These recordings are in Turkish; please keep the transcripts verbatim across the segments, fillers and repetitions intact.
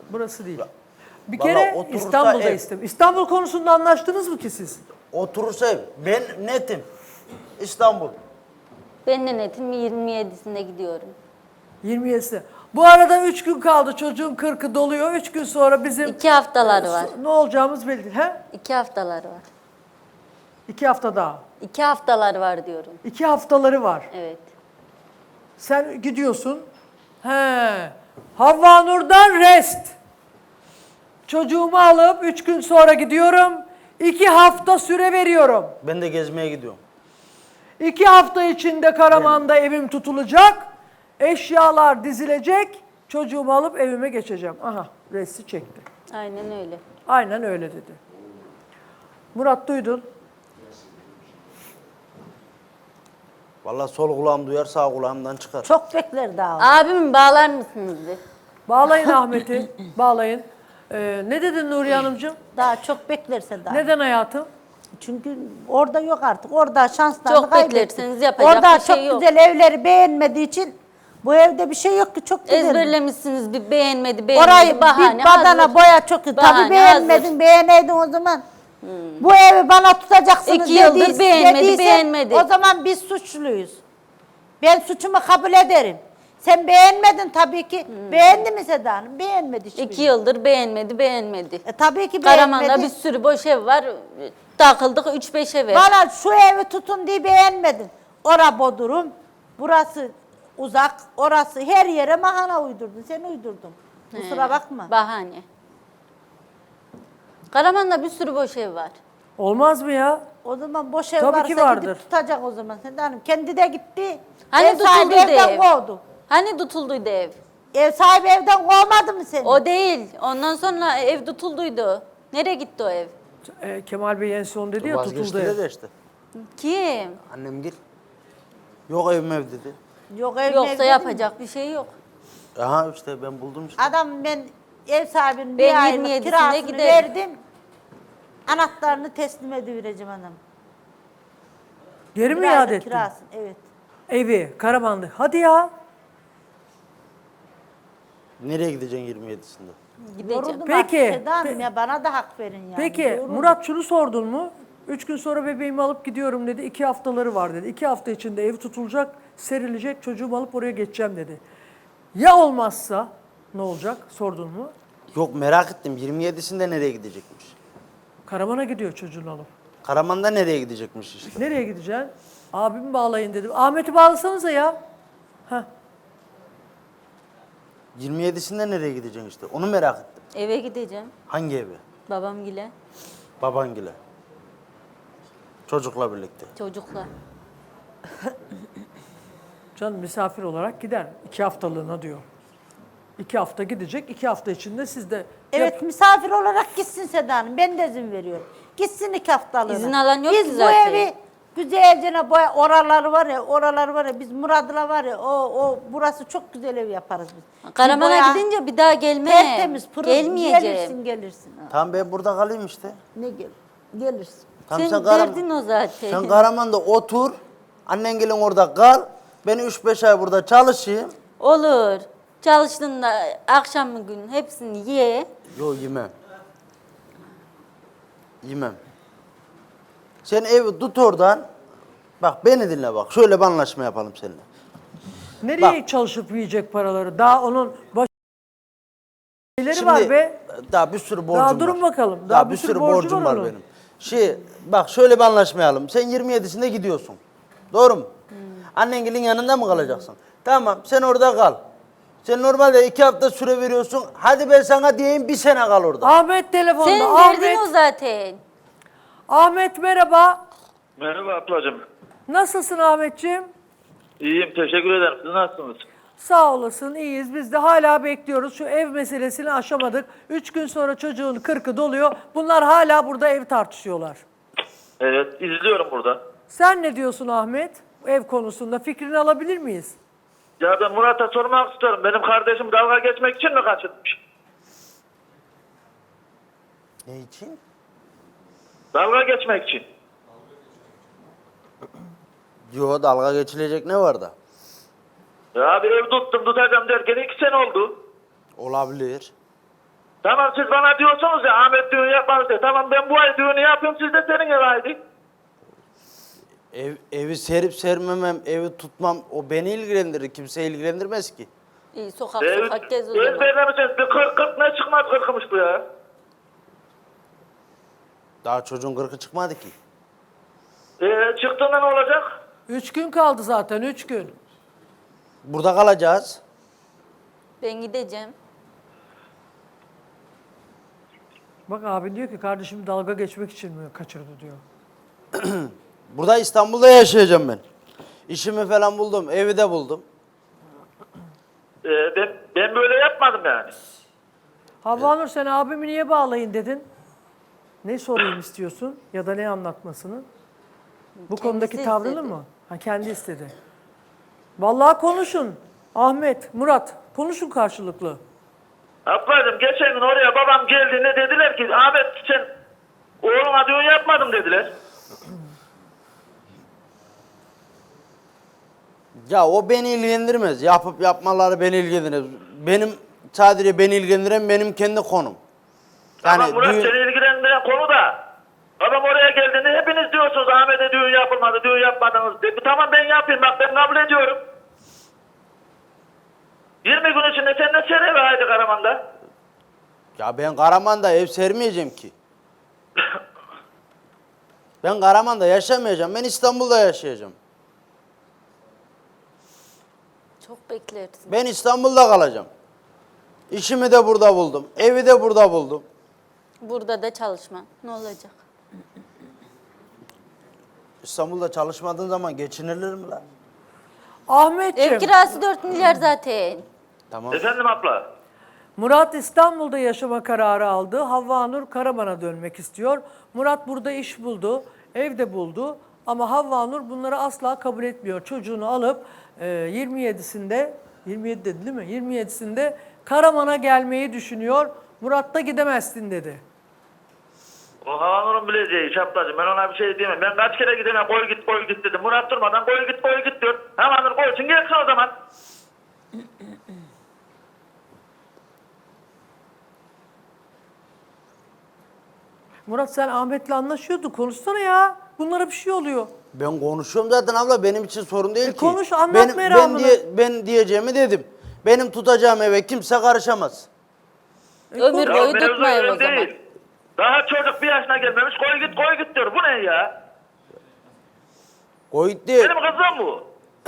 Burası değil. Bir Vallahi kere oturursa İstanbul'da ev. istem. İstanbul konusunda anlaştınız mı ki siz? Oturursa ev. Ben netim. İstanbul. Ben de netim yirmi yedisinde gidiyorum. yirmi yedisi. Bu arada üç gün kaldı. Çocuğun kırkı doluyor. üç gün sonra bizim... İki haftaları var. Ne olacağımız belli değil. He? İki haftaları var. İki hafta daha. İki haftaları var diyorum. İki haftaları var. Evet. Sen gidiyorsun. He. Havva Nur'dan rest. Çocuğumu alıp üç gün sonra gidiyorum. İki hafta süre veriyorum. Ben de gezmeye gidiyorum. İki hafta içinde Karaman'da evim tutulacak. Eşyalar dizilecek. Çocuğumu alıp evime geçeceğim. Aha, resti çekti. Aynen öyle. Aynen öyle dedi. Murat duydun. Vallahi sol kulağım duyar, sağ kulağımdan çıkar. Çok bekler daha. Abimi bağlar mısınız bir? Bağlayın Ahmet'i. Bağlayın. Ee, ne dedin Nuriye Hanımcığım? Daha çok beklerse daha. Neden hayatım? Çünkü orada yok artık. Orada şanslarını Çok kaybetti. beklerseniz yapacak Orada bir şey çok yok. güzel evleri beğenmediği için bu evde bir şey yok ki, çok güzel. Ezberlemişsiniz bir beğenmedi beğenmedi Orayı bahane bir badana hazır. boya çok iyi. Bahane Tabii beğenmedin, hazır. beğeneydin o zaman. Bu evi bana tutacaksınız İki yıldır dediyse- beğenmedi, dediyse, beğenmedi. O zaman biz suçluyuz. Ben suçumu kabul ederim. Sen beğenmedin tabii ki. Beğendi mi Seda Hanım? Beğenmedi hiçbirini. İki yıldır beğenmedi beğenmedi. E, tabii ki beğenmedi. Karaman'da bir sürü boş ev var. Takıldık üç beş eve. Bana şu evi tutun diye beğenmedin. Ora Bodrum, burası uzak, orası her yere mahana uydurdun. Sen uydurdun. Kusura bakma. Bahane. Karaman'da bir sürü boş ev var. Olmaz mı ya? O zaman boş ev Tabii varsa ki vardır. gidip tutacak o zaman Seda Hanım. Kendi de gitti. Hani ev sahibi tutulduydu evden ev? kovdu. Hani tutulduydu ev? Ev sahibi evden kovmadı mı seni? O değil. Ondan sonra ev tutulduydu. Nereye gitti o ev? Ee, Kemal Bey en son dedi ya tutuldu Vazgeçtiler ev. de işte. Kim? Annem gel. Yok evim ev dedi. Yok ev Yoksa ev dedim yapacak bir şey yok. Aha işte ben buldum işte. Adam ben ev sahibinin Ben bir aylık yirmi yedisinde kirasını giderim. verdim. Anahtarını teslim edivereceğim hanım. Geri mi Bir iade aylık ettin? kirasını, evet. Evi, Karaman'da. Hadi ya. Nereye gideceksin yirmi yedisinde? Gideceğim. Yoruldum Peki, artık Seda Hanım pe- ya, bana da hak verin yani. Peki Yoruldum. Murat şunu sordun mu? Üç gün sonra bebeğimi alıp gidiyorum dedi. İki haftaları var dedi. İki hafta içinde ev tutulacak, serilecek. Çocuğumu alıp oraya geçeceğim dedi. Ya olmazsa ne olacak? Sordun mu? Yok merak ettim yirmi yedisinde nereye gidecekmiş? Karaman'a gidiyor çocuğunu alıp. Karaman'da nereye gidecekmiş işte? Nereye gideceksin? Abimi bağlayın dedim. Ahmet'i bağlasanıza ya. Heh. yirmi yedisinde nereye gideceksin işte? Onu merak ettim. Eve gideceğim. Hangi eve? Babamgile, Babangile. Çocukla birlikte. çocukla. Can misafir olarak gider. İki haftalığına diyor. İki hafta gidecek. İki hafta içinde siz de... Evet Yap- misafir olarak gitsin Seda Hanım. Ben de izin veriyorum. Gitsin iki haftalığına. İzin alan yok biz ki bu zaten. evi güzelce boya, oraları var ya, oraları var ya, biz Murad'la var ya, o, o burası çok güzel ev yaparız biz. Bir Karaman'a boya, gidince bir daha gelme. tertemiz, pırıl, Gelmeyeceğim. gelirsin gelirsin. Ha. Tamam ben burada kalayım işte. Ne gel, gelirsin. Tamam, Sen Karaman- derdin o zaten. Sen Karaman'da otur. Annen gelin orada kal. Ben üç beş ay burada çalışayım. Olur. Çalıştığında akşam gün hepsini ye. Yo yemem. Yemem. Sen evi tut oradan. Bak beni dinle bak. Şöyle bir anlaşma yapalım seninle. Nereye çalışıp yiyecek paraları? Daha onun baş... Şeyleri Şimdi var be. daha bir sürü borcum Daha var. durun bakalım. Daha, bir sürü, borcum var, onun. benim. Şey bak şöyle bir anlaşmayalım. Sen yirmi yedisinde gidiyorsun. Doğru mu? Hmm. Annengelin yanında mı kalacaksın? Tamam sen orada kal. Sen normalde iki hafta süre veriyorsun. Hadi ben sana diyeyim bir sene kal orada. Ahmet telefonda. Senin Ahmet. derdin o zaten. Ahmet merhaba. Merhaba ablacığım. Nasılsın Ahmetciğim? İyiyim, teşekkür ederim. Siz nasılsınız? Sağ olasın, iyiyiz. Biz de hala bekliyoruz. Şu ev meselesini aşamadık. Üç gün sonra çocuğun kırkı doluyor. Bunlar hala burada ev tartışıyorlar. Evet, izliyorum burada. Sen ne diyorsun Ahmet? Ev konusunda fikrini alabilir miyiz? Ya ben Murat'a sormak istiyorum. Benim kardeşim dalga geçmek için mi kaçırmış? Ne için? Dalga geçmek için. Yo dalga geçilecek ne var da? Ya bir ev tuttum tutacağım derken iki sene oldu. Olabilir. Tamam siz bana diyorsunuz ya Ahmet düğün yapmadı diye. Tamam ben bu ay düğünü yapayım siz de senin eve haydi. Ev, evi serip sermemem, evi tutmam o beni ilgilendirir. Kimse ilgilendirmez ki. İyi sokak Ee, sokak gez o zaman. Ezberlemişsiniz. Bir kırk kırk ne çıkmaz kırkımış bu ya. Daha çocuğun kırkı çıkmadı ki. Ee, çıktığında ne olacak? Üç gün kaldı zaten, üç gün. Burada kalacağız. Ben gideceğim. Bak abi diyor ki kardeşim dalga geçmek için mi kaçırdı diyor. Burada İstanbul'da yaşayacağım ben. İşimi falan buldum, evi de buldum. Ee, ben, ben böyle yapmadım yani. Havva Nur sen abimi niye bağlayın dedin? Ne sorayım istiyorsun ya da ne anlatmasını? Bu konudaki Kendisi tavrını istedi. mı? Ha kendi istedi. Vallahi konuşun. Ahmet, Murat konuşun karşılıklı. Ablacığım geçen gün oraya babam geldiğinde dediler ki Ahmet sen oğluna düğün yapmadım dediler. Ya o beni ilgilendirmez. Yapıp yapmaları beni ilgilendirmez. Benim sadece beni ilgilendiren benim kendi konum. Ama Yani Murat düğün- seni ilgilendiren konu da babam oraya geldiğinde hepiniz diyorsunuz Ahmet'e düğün yapılmadı, düğün yapmadınız. De, tamam ben yapayım bak ben kabul ediyorum. yirmi gün içinde sen de sen eve haydi Karaman'da. Ya ben Karaman'da ev sermeyeceğim ki. Ben Karaman'da yaşamayacağım. Ben İstanbul'da yaşayacağım. Çok beklersin. Ben İstanbul'da kalacağım. İşimi de burada buldum. Evi de burada buldum. Burada da çalışma. Ne olacak? İstanbul'da çalışmadığın zaman geçinilir mi lan? Ahmetciğim, Ev kirası dört milyar zaten. Tamam. Efendim abla. Murat İstanbul'da yaşama kararı aldı. Havva Nur Karaman'a dönmek istiyor. Murat burada iş buldu, ev de buldu. Ama Havva Nur bunları asla kabul etmiyor. Çocuğunu alıp e, yirmi yedisinde, yirmi yedi dedi değil mi? yirmi yedisinde Karaman'a gelmeyi düşünüyor. Murat da gidemezsin dedi. O Havanur'un bileceği iş ablacığım ben ona bir şey diyemem. Ben kaç kere gidene koy git koy git dedim. Murat durmadan koy git koy git diyor. Havanur koysun gelsin o zaman. Murat sen Ahmet'le anlaşıyordun. Konuşsana ya. Bunlara bir şey oluyor. Ben konuşuyorum zaten abla. Benim için sorun değil E ki. konuş, anlat benim, ben, meramını. diye, ben diyeceğimi dedim. Benim tutacağım eve kimse karışamaz. Ömür Ya boyu mevzu tutmayın öyle o zaman. değil. Daha çocuk bir yaşına gelmemiş koy git koy git diyor. Bu ne ya? Koy git diye, Benim kızım bu.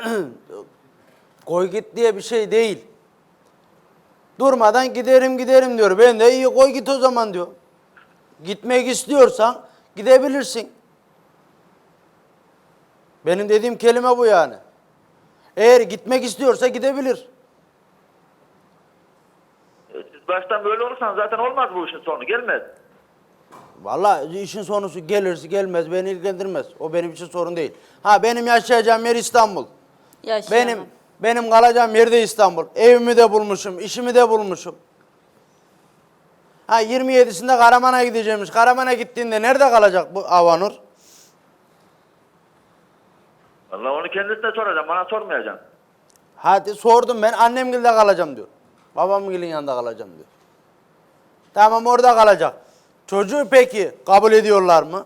koy git diye bir şey değil. Durmadan giderim giderim diyor. Ben de iyi koy git o zaman diyor. Gitmek istiyorsan gidebilirsin. Benim dediğim kelime bu yani. Eğer gitmek istiyorsa gidebilir. E, Siz baştan böyle olursanız zaten olmaz bu işin sonu gelmez. Vallahi işin sonusu gelirse gelmez beni ilgilendirmez. O benim için sorun değil. Ha benim yaşayacağım yer İstanbul. Yaşayamam. Benim benim kalacağım yer de İstanbul. Evimi de bulmuşum, işimi de bulmuşum. Ha yirmi yedisinde Karaman'a gideceğimiz. Karaman'a gittiğinde nerede kalacak bu Avanur? Vallahi onu kendisine soracağım bana sormayacaksın. Hadi sordum ben annemgilde kalacağım diyor. Babamgilin yanında kalacağım diyor. Tamam orada kalacak. Çocuğu peki kabul ediyorlar mı?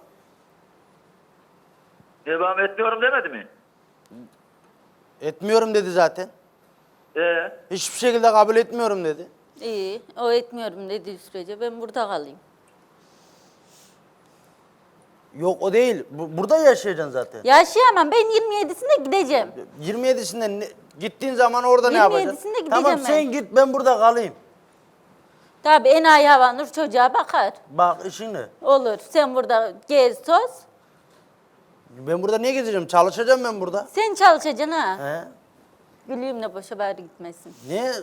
Devam etmiyorum demedi mi? Etmiyorum dedi zaten. Ee, Hiçbir şekilde kabul etmiyorum dedi. İyi. O etmiyorum dediği sürece ben burada kalayım. Yok o değil. Bu- burada yaşayacaksın zaten. Yaşayamam. Ben yirmi yedisinde gideceğim. yirmi yedisinde ne- gittiğin zaman orada ne yirmi yapacaksın? yedisinde gideceğim Tamam ben. sen git ben burada kalayım. Tabii enayi Havanur çocuğa bakar. Bak işin ne? Olur. Sen burada gez toz. Ben burada niye gezeceğim? Çalışacağım ben burada. Sen çalışacaksın ha. He? Gülüyüm de boşa bari gitmesin. Niye?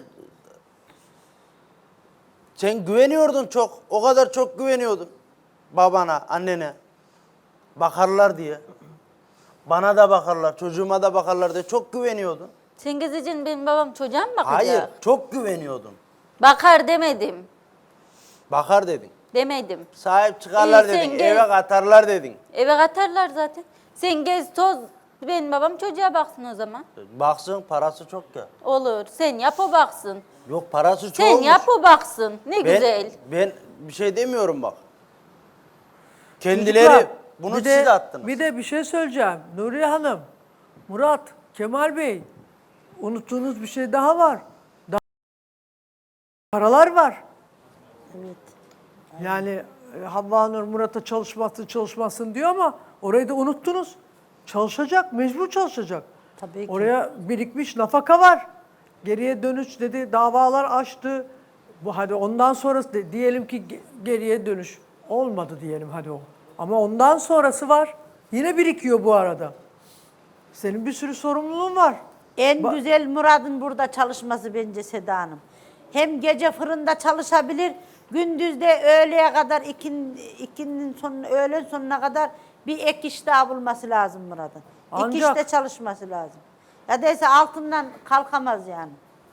Sen güveniyordun çok. O kadar çok güveniyordun. Babana, annene. Bakarlar diye. Bana da bakarlar, çocuğuma da bakarlar diye çok güveniyordun. Sen gezeceksin benim babam çocuğa mı bakacak? Hayır, çok güveniyordun. Bakar demedim. Bakar dedin. Demedim. Sahip çıkarlar İyi, sen dedin, gel. eve katarlar dedin. Eve katarlar zaten. Sen gez toz. Benim babam çocuğa baksın o zaman. Baksın, parası çok ya. Olur. Sen yap o baksın. Yok, parası çok Sen yap o baksın. Ne ben, güzel. Ben bir şey demiyorum bak. Kendileri Çocuklar, bunu bir de- siz attınız. Bir de bir şey söyleyeceğim. Nuriye Hanım, Murat, Kemal Bey, unuttuğunuz bir şey daha var. Daha paralar var. Evet. Yani e, Havva Nur Murat'a çalışmasın çalışmasın diyor ama orayı da unuttunuz. Çalışacak, mecbur çalışacak. Tabii ki. Oraya birikmiş nafaka var. Geriye dönüş dedi, davalar açtı. Bu hadi ondan sonrası de- diyelim ki ge- geriye dönüş olmadı diyelim hadi o. Ama ondan sonrası var. Yine birikiyor bu arada. Senin bir sürü sorumluluğun var. En Ba- güzel Murat'ın burada çalışması bence Seda Hanım. Hem gece fırında çalışabilir, gündüz de öğleye kadar, ikin, ikinin sonuna, öğlen sonuna kadar bir ek iş daha bulması lazım Murat'ın. İki Ancak- işte çalışması lazım. Ya değilse altından kalkamaz yani.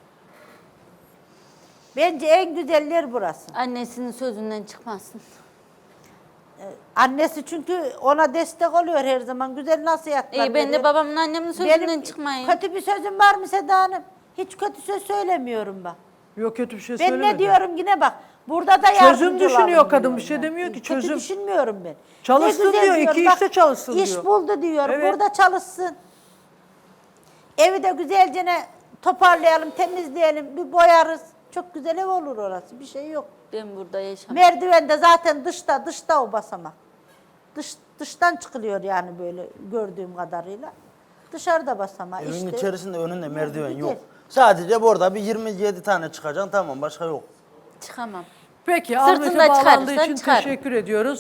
Bence en güzeller burası. Annesinin sözünden çıkmasın. Annesi çünkü ona destek oluyor her zaman. Güzel nasihatler İyi ben de veriyor. babamın annemin sözünden Benim çıkmayın. kötü bir sözüm var mı Seda Hanım? Hiç kötü söz söylemiyorum ben. Yok kötü bir şey Ben söylemedi. ne diyorum yine bak. Burada da Çözüm yardımcı düşünüyor olalım kadın, diyorum bir şey ben. demiyor ki, Kötü çözüm. düşünmüyorum ben. Çalışsın Ne güzel diyor, iki diyorum, işte çalışsın iş diyor. buldu diyor. Evet. Burada çalışsın. Evi de güzelce ne toparlayalım, temizleyelim, bir boyarız. Çok güzel ev olur orası. Bir şey yok. Ben burada yaşamam. Merdiven de zaten dışta, dışta o basamak. Dış, dıştan çıkılıyor yani böyle gördüğüm kadarıyla. Dışarıda basamağı Evin işte. içerisinde önünde merdiven Güzel. yok. Sadece burada bir yirmi yedi tane çıkacaksın, tamam, başka yok. Çıkamam. Peki Sırtında Ahmet'e bağlandığı çıkarırsan için çıkarım. teşekkür ediyoruz.